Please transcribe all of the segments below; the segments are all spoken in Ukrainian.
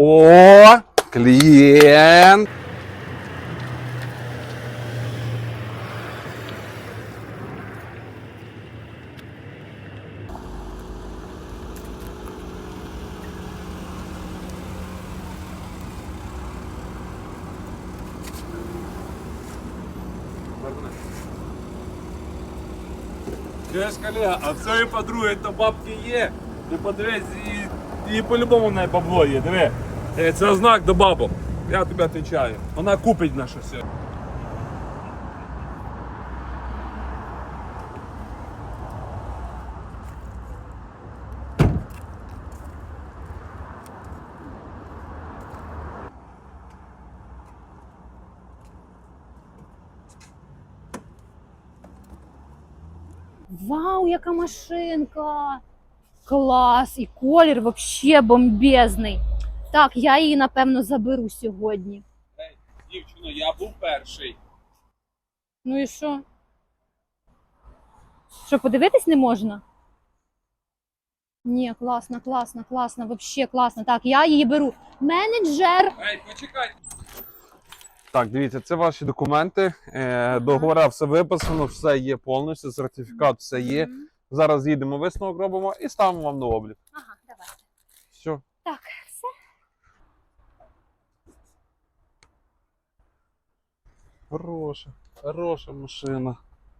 О, клієнт. Чуєш, колега, а в цієї подруги то бабки є. Ти подивись, і по-любому в неї бабло є, диви. Це знак до бабок. Я тобі відповідаю. Вона купить наше все. Вау, яка машинка! Клас! І колір вообще бомбезний. Так, я її, напевно, заберу сьогодні. Ей, дівчино, я був перший. Ну і що? Що, подивитись не можна? Ні, класно, класно, класно, вообще класно. Так, я її беру. Менеджер! Ей, почекай. Так, дивіться, це ваші документи. Договора все виписано, все є повністю, сертифікат все є. Зараз їдемо, висновок робимо і ставимо вам на облік. Ага, давайте. Все. Так, все. Хороша машина.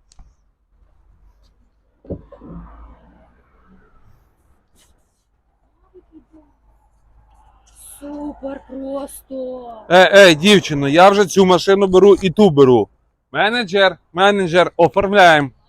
Супер просто. Дівчино, я вже цю машину беру і ту беру. Менеджер, оформляємо.